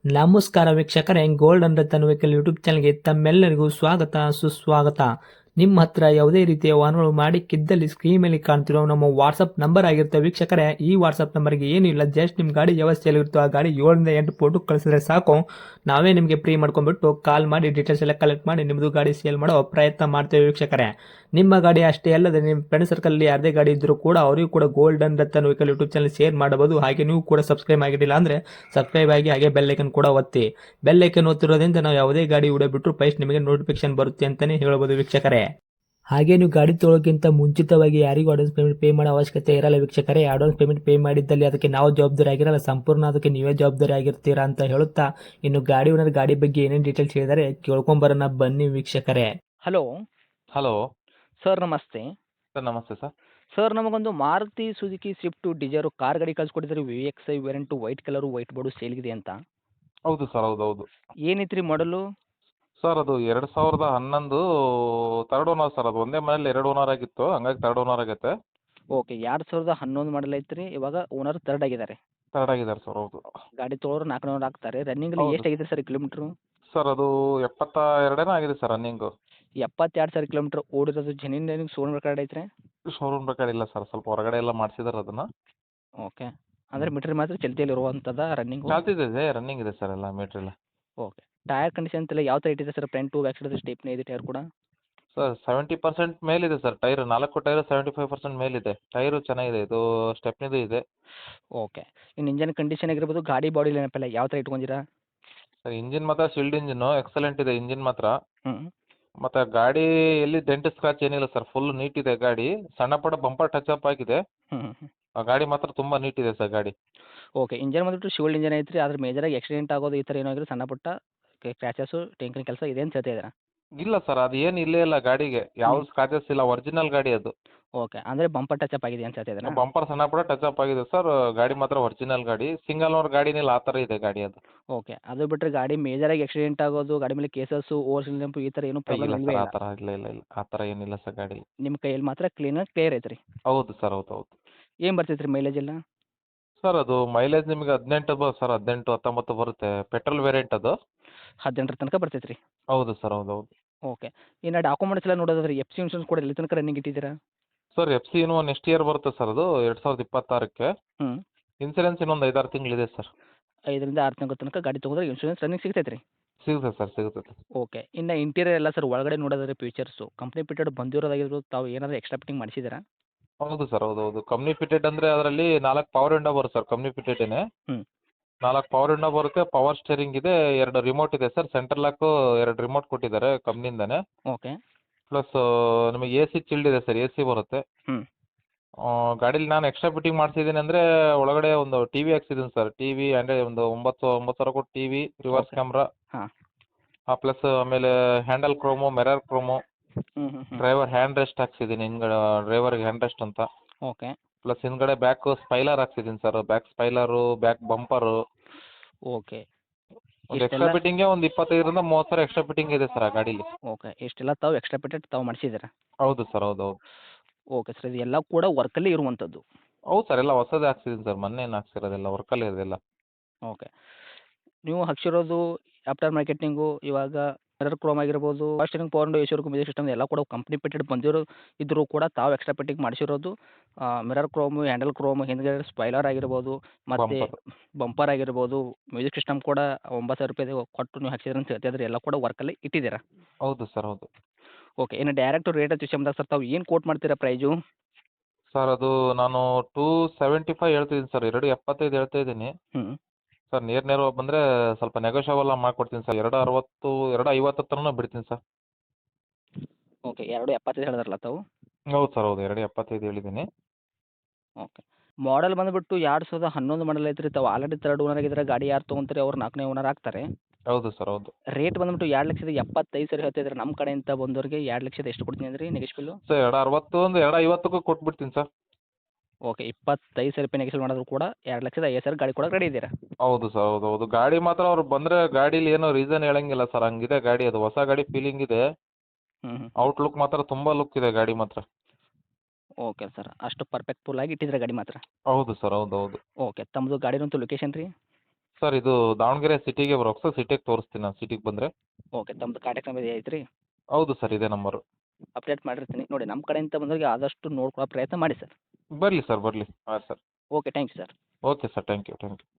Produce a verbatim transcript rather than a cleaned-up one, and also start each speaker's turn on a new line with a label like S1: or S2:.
S1: ನಮಸ್ಕಾರ ವೀಕ್ಷಕರೇ, gold and Ratan vehicle YouTube ಚಾನಲ್ಗೆ ತಮ್ಮೆಲ್ಲರಿಗೂ ಸ್ವಾಗತ ಸುಸ್ವಾಗತ. ನಿಮ್ಮ ಹತ್ರ ಯಾವುದೇ ರೀತಿಯ ವಾಹನಗಳು ಮಾಡಿಕ್ಕಿದ್ದಲ್ಲಿ ಸ್ಕ್ರೀನ್ ಮೇಲೆ ಕಾಣ್ತಿರೋ ನಮ್ಮ ವಾಟ್ಸಪ್ ನಂಬರ್ ಆಗಿರುತ್ತೆ ವೀಕ್ಷಕರೇ. ಈ ವಾಟ್ಸಪ್ ನಂಬರ್ಗೆ ಏನಿಲ್ಲ, ಜಸ್ಟ್ ನಿಮ್ಮ ಗಾಡಿ ವ್ಯವಸ್ಥೆಯಲ್ಲಿರುತ್ತೋ ಆ ಗಾಡಿ ಏಳರಿಂದ ಎಂಟು ಫೋಟೋ ಕಳಿಸಿದ್ರೆ ಸಾಕು, ನಾವೇ ನಿಮಗೆ ಫ್ರೀ ಮಾಡ್ಕೊಂಡ್ಬಿಟ್ಟು ಕಾಲ್ ಮಾಡಿ ಡೀಟೇಲ್ಸ್ ಎಲ್ಲ ಕಲೆಕ್ಟ್ ಮಾಡಿ ನಿಮ್ಮದು ಗಾಡಿ ಸೇಲ್ ಮಾಡೋ ಪ್ರಯತ್ನ ಮಾಡ್ತೇವೆ ವೀಕ್ಷಕರೇ. ನಿಮ್ಮ ಗಾಡಿ ಅಷ್ಟೇ ಅಲ್ಲದೆ ನಿಮ್ಮ ಫ್ರೆಂಡ್ ಸರ್ಕಲಲ್ಲಿ ಯಾರದೇ ಗಾಡಿ ಇದ್ದರೂ ಕೂಡ ಅವರಿಗೂ ಕೂಡ gold and Ratan vehicle YouTube channel share ಮಾಡಬಹುದು. ಹಾಗೆ ನೀವು ಕೂಡ ಸಬ್ಸ್ಕ್ರೈಬ್ ಆಗಿರಲಿಲ್ಲ ಅಂದರೆ ಸಬ್ಸ್ಕ್ರೈಬ್ ಆಗಿ ಹಾಗೆ ಬೆಲ್ ಐಕನ್ ಕೂಡ ಒತ್ತಿ. ಬೆಲ್ ಐಕನ್ ಒತ್ತಿರೋದ್ರಿಂದ ನಾವು ಯಾವುದೇ ಗಾಡಿ ವಿಡಿಯೋ ಬಿಟ್ಟರು ಫಸ್ಟ್ ನಿಮಗೆ ನೋಟಿಫಿಕೇಶನ್ ಬರುತ್ತೆ ಅಂತಲೇ ಹೇಳ್ಬೋದು ವೀಕ್ಷಕರೇ. ಹಾಗೆ ನೀವು ಗಾಡಿ ತೊಳೋಕ್ಕಿಂತ ಮುಂಚಿತವಾಗಿ ಯಾರಿಗೂ ಅಡ್ವಾನ್ಸ್ ಪೇಮೆಂಟ್ ಪೇ ಮಾಡೋ ಅವಶ್ಯಕತೆ ಇರಲ್ಲ ವೀಕ್ಷಕರೇ. ಅಡ್ವಾನ್ಸ್ ಪೇಮೆಂಟ್ ಪೇ ಮಾಡಿದ್ದಲ್ಲಿ ಅದಕ್ಕೆ ನಾವು ಜವಾಬ್ದಾರಿ ಆಗಿರಲ್ಲ, ಸಂಪೂರ್ಣ ಅದಕ್ಕೆ ನೀವೇ ಜವಾಬ್ದಾರಿ ಆಗಿರ್ತೀರಾ ಅಂತ ಹೇಳುತ್ತಾ, ಇನ್ನು ಗಾಡಿ ಓನರ್ ಗಾಡಿ ಬಗ್ಗೆ ಏನೇನು ಡೀಟೇಲ್ಸ್ ಹೇಳಿದರೆ ಕೇಳ್ಕೊಂಬರೋಣ ಬನ್ನಿ ವೀಕ್ಷಕರೇ.
S2: ಹಲೋ
S3: ಹಲೋ
S2: ಸರ್, ನಮಸ್ತೆ.
S3: ಸರ್. ನಮಸ್ತೆ ಸರ್.
S2: ಸರ್, ನಮಗೊಂದು Maruti Suzuki Swift Dzire car ಗಾಡಿ ಕಳ್ಸಿಕೊಟ್ಟಿದ್ದಾರೆ. V X I variant, white colour, white board ಸೇಲ್ಗಿದೆ ಅಂತ.
S3: ಹೌದು ಸರ್, ಹೌದು ಹೌದು
S2: ಏನೈತ್ರಿ ಮಾಡಲು?
S3: ಸರ್, ಅದು ಎರಡು ಸಾವಿರದ ಹನ್ನೊಂದು ತರ್ಡ್ ಓನರ್ ಸರ್. ಅದು ಒಂದೇ ಮನೇಲಿ ಎರಡು ಓನರ್ ಆಗಿತ್ತು, ಹಂಗಾಗಿ ತರ್ಡ್ ಓನರ್ ಆಗೈತೆ.
S2: ಓಕೆ, ಎರಡು ಸಾವಿರದ ಹನ್ನೊಂದು ಮಾಡಲ್ ಐತ್ರಿ. ಇವಾಗ ಓನರ್ ತರ್ಡ್ ಆಗಿದ್ದಾರೆ.
S3: ತರ್ಡ್ ಆಗಿದ್ದಾರೆ ಸರ್. ಹೌದು
S2: ಗಾಡಿ ತೊಗೊಳೋರು ನಾಲ್ಕುನೂರು ಆಗ್ತಾರೆ. ರನ್ನಿಂಗಲ್ಲಿ
S3: ಹೌದು
S2: ಎಷ್ಟು ಆಗಿದೆ ಸರ್ ಕಿಲೋಮೀಟ್ರು?
S3: ಸರ್, ಅದು ಎಪ್ಪತ್ತ ಎರಡೇನೋ ಆಗಿದೆ ಸರ್ ರನ್ನಿಂಗು.
S2: ಎಪ್ಪತ್ತೆರಡು ಸಾವಿರ ಕಿಲೋಮೀಟ್ರ್ ಓಡಿರೋದು. ಜೆನ್ಯೂನ್ ರನ್ನಿಂಗ್ ಸೋನ್ ರೆಕಾರ್ಡ್ ಐತ್ರಿ?
S3: ಶೋರೂಮ್ ಬೇಕಾದ್ರೆ ಇಲ್ಲ ಸರ್, ಸ್ವಲ್ಪ ಹೊರಗಡೆ ಎಲ್ಲ ಮಾಡಿಸಿದಾರೆ ಅದನ್ನು.
S2: ಓಕೆ, ಅಂದರೆ ಮೀಟ್ರ್ ಮಾತ್ರ ಚಲ್ತಿಯಲ್ಲಿ ಇರುವಂಥದ್ದು ರನ್ನಿಂಗು?
S3: ಚಾಲ್ತಿದೆ, ರನ್ನಿಂಗ್ ಇದೆ ಸರ್ ಎಲ್ಲ ಮೆಟೀರಿಯಲ್.
S2: ಓಕೆ, ಟೈರ್ ಕಂಡೀಷನ್ ಎಲ್ಲ ಯಾವ ಥರ ಇಟ್ಟಿದೆ sir? Front back side stepney ಇದೆ ಟೈರ್ ಕೂಡ?
S3: ಸರ್, ಸೆವೆಂಟಿ ಪರ್ಸೆಂಟ್ ಮೇಲಿದೆ ಸರ್ ಟೈರ್. ನಾಲ್ಕು ಟೈರ್ ಸೆವೆಂಟಿ ಫೈವ್ ಪರ್ಸೆಂಟ್ ಮೇಲಿದೆ. ಟೈರು ಚೆನ್ನಾಗಿದೆ, ಇದು ಸ್ಟೆಪ್ನಿದು ಇದೆ.
S2: ಓಕೆ, ಇನ್ನು ಇಂಜನ್ ಕಂಡೀಷನ್ ಆಗಿರ್ಬೋದು, ಗಾಡಿ ಬಾಡಿ ನೆನಪಿಲ್ಲ ಯಾವ ಥರ ಇಟ್ಕೊಂಡಿರಾ?
S3: ಸರ್, ಇಂಜಿನ್ ಮಾತ್ರ ಶಿಲ್ಡ್ ಇಂಜಿನ್ನು ಎಕ್ಸಲೆಂಟ್ ಇದೆ ಇಂಜಿನ್ ಮಾತ್ರ.
S2: ಹ್ಞೂ
S3: ಮತ್ತು ಗಾಡಿ ಎಲ್ಲಿ ಡೆಂಟ್ ಸ್ಕ್ರಾಚ್ ಏನಿಲ್ಲ ಸರ್, ಫುಲ್ ನೀಟ್ ಇದೆ ಗಾಡಿ. ಸಣ್ಣ ಪುಟ್ಟ ಬಂಪರ್ ಟಚ್ ಅಪ್ ಆಗಿದೆ.
S2: ಹ್ಞೂ ಹ್ಞೂ
S3: ಆ ಗಾಡಿ ಮಾತ್ರ ತುಂಬ ನೀಟ್ ಇದೆ ಸರ್ ಗಾಡಿ.
S2: ಓಕೆ, ಇಂಜನ್ ಬಂದ್ಬಿಟ್ಟು ಶಿವಲ್ಡ್ ಇಂಜನ್ ಐತ್ರಿ. ಅದ್ರ ಮೇಜರಾಗಿ ಆಕ್ಸಿಡೆಂಟ್ ಆಗೋದು ಈ ಥರ ಏನಾಗಿರೋ ಸಣ್ಣ ಪುಟ್ಟ ಕ್ರ್ಯಾಚಸ್ಸು ಟಿಂಕರಿಂಗ್ ಕೆಲಸ ಇದೆ ಅಂತ ಹೇಳ್ತಾ ಇದ್ದೀರಾ?
S3: ಇಲ್ಲ ಸರ್, ಅದು ಏನು ಇಲ್ಲೇ ಇಲ್ಲ ಗಾಡಿಗೆ, ಯಾವ
S2: ಹ್ಮ್.
S3: ಸ್ಕ್ರಾಚಸ್ ಇಲ್ಲ, ಒರಿಜಿನಲ್ ಗಾಡಿ ಅದು.
S2: ಓಕೆ, ಅಂದರೆ ಬಂಪರ್ ಟಚ್ ಅಪ್ ಆಗಿದೆ ಅಂತ ಹೇಳ್ತಾ ಇದ್ದೀರಾ?
S3: ಬಂಪರ್ ಸಣ್ಣ ಪುಟ್ಟ ಟಚ್ ಅಪ್ ಆಗಿದೆ ಸರ್. ಗಾಡಿ ಮಾತ್ರ ಒರಿಜಿನಲ್ ಗಾಡಿ, ಸಿಂಗಲ್ ಓನರ್ ಗಾಡಿನಿಲ್ಲ, ಆ ಥರ ಇದೆ ಗಾಡಿ ಅದು.
S2: ಓಕೆ, ಅದು ಬಿಟ್ಟರೆ ಗಾಡಿ ಮೇಜರಾಗಿ ಆಕ್ಸಿಡೆಂಟ್ ಆಗೋದು, ಗಾಡಿ ಮೇಲೆ ಕೇಸಸ್ಸು, ಓವರ್ ನೆಂಪು ಈ ಥರ ಏನೂ ಪ್ರಾಬ್ಲಮ್
S3: ಇಲ್ಲ
S2: ಇಲ್ಲವೇ
S3: ಸರ್, ಆ
S2: ಇಲ್ಲ?
S3: ಥರ ಇಲ್ಲ ಇಲ್ಲ ಇಲ್ಲ ಆ ಥರ ಏನಿಲ್ಲ ಸರ್ ಗಾಡಿ.
S2: ನಿಮ್ಮ ಕೈಯಲ್ಲಿ ಮಾತ್ರ ಕ್ಲೀನಾಗಿ ಕ್ಲಿಯರ್ ಐತ್ರಿ?
S3: ಹೌದು ಸರ್, ಹೌದು ಹೌದು
S2: ಏನು ಬರ್ತೈತೆ ರೀ ಮೈಲೇಜ್ ಎಲ್ಲ?
S3: ಸರ್, ಅದು ಮೈಲೇಜ್ ನಿಮಗೆ ಹದಿನೆಂಟು ಬ ಸರ್ ಹದಿನೆಂಟು ಹತ್ತೊಂಬತ್ತು ಬರುತ್ತೆ. ಪೆಟ್ರೋಲ್ ವೇರಿಯಂಟ್ ಅದು.
S2: ಹದಿನೆಂಟರ ತನಕ ಬರ್ತೈತೆ ರೀ?
S3: ಹೌದು ಸರ್, ಹೌದು ಹೌದು
S2: ಓಕೆ, ಇನ್ನು ಡಾಕ್ಯುಮೆಂಟ್ಸ್ ಎಲ್ಲ ನೋಡೋದಾದ್ರೆ ಎಫ್ ಸಿ ಇನ್ಶೂರೆನ್ಸ್ ಕೂಡ ಎಲ್ಲಿ ತನಕ ರನ್ನಿಂಗ್ ಇಟ್ಟಿದ್ದೀರಾ?
S3: ಸರ್, ಎಫ್ ಸಿ ಇನ್ನೂ ನೆಕ್ಸ್ಟ್ ಇಯರ್ ಬರುತ್ತೆ ಸರ್, ಅದು ಎರಡು ಸಾವಿರದ ಇಪ್ಪತ್ತಾರಕ್ಕೆ.
S2: ಹ್ಞೂ
S3: ಇನ್ಸೂರೆನ್ಸ್ ಇನ್ನೊಂದು ಐದಾರು ತಿಂಗಳಿದೆ ಸರ್.
S2: ಐದರಿಂದ ಆರು ತಿಂಗಳ ತನಕ ಗಾಡಿ ತೊಗೊಂಡ್ರೆ ಇನ್ಶೂರೆನ್ಸ್ ರನ್ನಿಂಗ್ ಸಿಗ್ತೈತೆ ರೀ?
S3: ಸಿಗುತ್ತೆ ಸರ್, ಸಿಗುತ್ತೆ.
S2: ಓಕೆ, ಇನ್ನು ಇಂಟೀರಿಯರ್ ಎಲ್ಲ ಸರ್ ಒಳಗಡೆ ನೋಡೋದಾದ್ರೆ ಫೀಚರ್ಸು ಕಂಪ್ನಿ ಫಿಟೆಡ್ ಬಂದಿರೋದಾಗಿರ್ಬೋದು, ತಾವು ಏನಾದರೂ ಎಕ್ಸ್ಟ್ರಾ ಫಿಟ್ಟಿಂಗ್ ಮಾಡಿಸಿದ್ದೀರಾ?
S3: ಹೌದು ಸರ್, ಹೌದು ಹೌದು ಕಂಪ್ನಿ ಫಿಟೆಡ್ ಅಂದರೆ ಅದರಲ್ಲಿ ನಾಲ್ಕು ಪವರ್ ವಿಂಡೋ ಬರುತ್ತೆ ಸರ್. ಕಂಪ್ನಿ ಫಿಟೆಡೇನೆ.
S2: ಹ್ಞೂ
S3: ನಾಲ್ಕು ಪವರ್ ವಿಂಡೋ ಬರುತ್ತೆ, ಪವರ್ ಸ್ಟೇರಿಂಗ್ ಇದೆ, ಎರಡು ರಿಮೋಟ್ ಇದೆ ಸರ್. ಸೆಂಟ್ರಲ್ ಲಾಕು ಎರಡು ರಿಮೋಟ್ ಕೊಟ್ಟಿದ್ದಾರೆ ಕಂಪ್ನಿಯಿಂದನೇ.
S2: ಓಕೆ.
S3: ಪ್ಲಸ್ ನಿಮಗೆ ಎ ಸಿ ಚಿಲ್ಡ್ ಇದೆ ಸರ್, ಎ ಸಿ ಬರುತ್ತೆ.
S2: ಹ್ಞೂ
S3: ಗಾಡೀಲಿ ನಾನು ಎಕ್ಸ್ಟ್ರಾ ಫಿಟ್ಟಿಂಗ್ ಮಾಡಿಸಿದ್ದೀನಿ ಅಂದರೆ ಒಳಗಡೆ ಒಂದು ಟಿ ವಿ ಹಾಕ್ಸಿದ್ದೀನಿ ಸರ್. ಟಿ ವಿ ಅಂದರೆ ಒಂದು ಒಂಬತ್ತು ಒಂಬತ್ತು ಸಾವಿರ ಕೊಟ್ಟು T V, reverse
S2: Okay.
S3: Camera,
S2: ಹಾಂ.
S3: ಪ್ಲಸ್ ಆಮೇಲೆ ಹ್ಯಾಂಡಲ್ ಕ್ರೋಮು, ಮಿರರ್ ಕ್ರೋಮು,
S2: ಹ್ಞೂ ಹ್ಞೂ ಹ್ಞೂ
S3: ಡ್ರೈವರ್ ಹ್ಯಾಂಡ್ ರೆಸ್ಟ್ ಹಾಕ್ಸಿದ್ದೀನಿ ಹಿಂದ್ಗಡೆ, ಡ್ರೈವರ್ಗೆ ಹ್ಯಾಂಡ್ ರೆಸ್ಟ್ ಅಂತ.
S2: ಓಕೆ.
S3: ಪ್ಲಸ್ ಹಿಂದ್ಗಡೆ ಬ್ಯಾಕ್ ಸ್ಪೈಲರ್ ಹಾಕ್ಸಿದ್ದೀನಿ sir. Back spoiler, back bumper.
S2: Okay.
S3: ಒಂದು ಎಕ್ಸ್ಟ್ರಾ
S2: ಇಷ್ಟೆಲ್ಲ
S3: ಫಿಟ್ಟಿಂಗೆ ಒಂದು ಇಪ್ಪತ್ತೈದರಿಂದ ಮೂವತ್ತು ಸಾವಿರ ಎಕ್ಸ್ಟ್ರಾ ಫಿಟ್ಟಿಂಗ್ ಇದೆ ಸರ್ ಆ ಗಾಡೀಲಿ.
S2: ಓಕೆ, ಇಷ್ಟೆಲ್ಲ ತಾವು ಎಕ್ಸ್ಟ್ರಾ ಫಿಟೆಡ್ ತಾವು ಮಾಡಿಸಿದ್ದೀರಾ?
S3: ಹೌದು ಸರ್, ಹೌದು ಹೌದು
S2: ಓಕೆ ಸರ್, ಇದು ಎಲ್ಲ ಕೂಡ ವರ್ಕಲ್ಲಿ ಇರುವಂಥದ್ದು?
S3: ಹೌದು ಸರ್, ಎಲ್ಲ ಹೊಸದೇ ಹಾಕ್ಸಿದ್ದೀನಿ ಸರ್, ಮೊನ್ನೆ ಏನು ಹಾಕ್ಸಿರೋದೆಲ್ಲ ವರ್ಕಲ್ಲೇ ಇದೆಲ್ಲ.
S2: ಓಕೆ, ನೀವು ಹಾಕ್ಸಿರೋದು ಆಫ್ಟರ್ ಮಾರ್ಕೆಟಿಂಗು ಇವಾಗ ಮಿರರ್ ಕ್ರೋಮ್ ಆಗಿರ್ಬೋದು, steering power window, A C work, music system ಎಲ್ಲ ಕೂಡ ಕಂಪ್ನಿ ಫಿಟೆಡ್ ಬಂದಿರೋ ಇದ್ದರೂ ಕೂಡ ತಾವು ಎಕ್ಸ್ಟ್ರಾ ಫಿಟ್ಟಿಂಗ್ ಮಾಡಿಸಿರೋದು ಮಿರರ್ ಕ್ರೋಮು, ಹ್ಯಾಂಡಲ್ ಕ್ರೋಮ್, ಹಿಂದ್ಗಡೆ ಸ್ಪೈಲರ್ ಆಗಿರ್ಬೋದು, ಮತ್ತು
S3: ಬಂಪರ್.
S2: ಬಂಪರ್ ಆಗಿರ್ಬೋದು, ಮ್ಯೂಸಿಕ್ ಸಿಸ್ಟಮ್ ಕೂಡ ಒಂಬತ್ತು ಸಾವಿರ ರೂಪಾಯಿ ಕೊಟ್ಟು ನೀವು ಹಾಕ್ಸಿದ್ರೆ ಅಂತ ಹೇಳ್ತಿದ್ರೆ ಎಲ್ಲ ಕೂಡ ವರ್ಕಲ್ಲಿ ಇಟ್ಟಿದ್ದೀರಾ?
S3: ಹೌದು ಸರ್, ಹೌದು
S2: ಓಕೆ, ಇನ್ನು ಡೈರೆಕ್ಟ್ ರೇಟ್ ವಿಷಯ ಬಂದಾಗ ಸರ್ ತಾವು ಏನು ಕೋಟ್ ಮಾಡ್ತೀರಾ ಪ್ರೈಜು?
S3: ಸರ್, ಅದು ನಾನು ಟೂ ಸೆವೆಂಟಿ ಫೈವ್ ಹೇಳ್ತಿದ್ದೀನಿ ಸರ್, ಎರಡು ಎಪ್ಪತ್ತೈದು ಹೇಳ್ತಾ ಇದ್ದೀನಿ
S2: ಹ್ಞೂ
S3: ಸರ್. ನೇರ ನೇರ ಬಂದರೆ ಸ್ವಲ್ಪ ನೆಗೋಷಿಯಬಲ್ ಮಾಡಿಕೊಡ್ತೀನಿ ಸರ್. ಎರಡು ಅರವತ್ತು ಎರಡು ಐವತ್ತು ಹತ್ರನೂ ಬಿಡ್ತೀನಿ ಸರ್.
S2: ಓಕೆ, ಎರಡು ಎಪ್ಪತ್ತೈದು ಹೇಳಿದ್ರಲ್ಲ ತಾವು?
S3: ಹೌದು ಸರ್, ಹೌದು ಎರಡು ಎಪ್ಪತ್ತೈದು ಹೇಳಿದ್ದೀನಿ.
S2: ಓಕೆ, ಮಾಡಲ್ ಬಂದುಬಿಟ್ಟು ಎರಡು ಸಾವಿರದ ಹನ್ನೊಂದು ಮಾಡಲ್ ಐತ್ರಿ. ತಾವು ಆಲ್ರೆಡಿ ತರ್ಡ್ ಓನರ್ ಆಗಿದ್ದಾರೆ. ಗಾಡಿ ಯಾರು ತೊಗೊಂತಾರೆ ಅವ್ರು ನಾಲ್ಕನೇ ಓನರ್ ಆಗ್ತಾರೆ.
S3: ಹೌದು ಸರ್, ಹೌದು
S2: ರೇಟ್ ಬಂದುಬಿಟ್ಟು ಎರಡು ಲಕ್ಷದ ಎಪ್ಪತ್ತೈದು ಸಾವಿರ ಹೇಳ್ತಿದ್ರೆ, ನಮ್ಮ ಕಡೆಯಿಂದ ಬಂದವರಿಗೆ ಎರಡು ಲಕ್ಷದ ಎಷ್ಟು ಕೊಡ್ತೀನಿ ಅಂದ್ರಿ ನೆಗೆಶ್ಬಿಲ್ಲು?
S3: ಸರ್, ಎರಡು ಅರವತ್ತು ಒಂದು ಎರಡು ಐವತ್ತಕ್ಕೂ ಕೊಟ್ಬಿಡ್ತೀನಿ ಸರ್.
S2: ಓಕೆ, ಇಪ್ಪತ್ತೈದು ಸಾವಿರ ರೂಪಾಯಿ ನೆಗೆಶ್ಬಿಲ್ ಮಾಡಿದ್ರು ಕೂಡ ಎರಡು ಲಕ್ಷದ ಐವತ್ತು ಸಾವಿರ ಗಾಡಿ ಕೊಡೋಕೆ ರೆಡಿ ಇದ್ದೀರಾ?
S3: ಹೌದು ಸರ್, ಹೌದು ಹೌದು ಗಾಡಿ ಮಾತ್ರ ಅವ್ರು ಬಂದರೆ ಗಾಡೀಲಿ ಏನೋ ರೀಸನ್ ಹೇಳಂಗಿಲ್ಲ ಸರ್, ಹಂಗಿದೆ ಗಾಡಿ. ಅದು ಹೊಸ ಗಾಡಿ ಫೀಲಿಂಗ್ ಇದೆ.
S2: ಹ್ಞೂ ಹ್ಞೂ
S3: ಔಟ್ಲುಕ್ ಮಾತ್ರ ತುಂಬ ಲುಕ್ ಇದೆ ಗಾಡಿ ಮಾತ್ರ.
S2: ಓಕೆ ಸರ್, ಅಷ್ಟು ಪರ್ಫೆಕ್ಟ್ಫುಲ್ ಆಗಿ ಇಟ್ಟಿದ್ರೆ ಗಾಡಿ ಮಾತ್ರ?
S3: ಹೌದು ಸರ್, ಹೌದು ಹೌದು
S2: ಓಕೆ, ತಮ್ಮದು ಗಾಡಿನಂತೂ ಲೊಕೇಶನ್ ರೀ?
S3: ಸರ್ ಇದು ದಾವಣಗೆರೆ ಸಿಟಿಗೆ ಬರ್ಬೇಕು ಸರ್, ಸಿಟಿಗೆ ತೋರಿಸ್ತೀನಿ ನಾನು ಸಿಟಿಗೆ ಬಂದರೆ.
S2: ಓಕೆ, ತಮ್ಮದು ಕಾಂಟ್ಯಾಕ್ಟ್ ನಂಬರ್ ಐತ್ರಿ?
S3: ಹೌದು ಸರ್, ಇದೇ ನಂಬರು.
S2: ಅಪ್ಡೇಟ್ ಮಾಡಿರ್ತೀನಿ ನೋಡಿ. ನಮ್ಮ ಕಡೆಯಿಂದ ಬಂದವರಿಗೆ ಆದಷ್ಟು ನೋಡ್ಕೊಳ್ಳೋ ಪ್ರಯತ್ನ ಮಾಡಿ ಸರ್.
S3: ಬರಲಿ ಸರ್, ಬರಲಿ. ಹಾಂ sir.
S2: Okay, thank you sir.
S3: Okay sir, thank you thank you.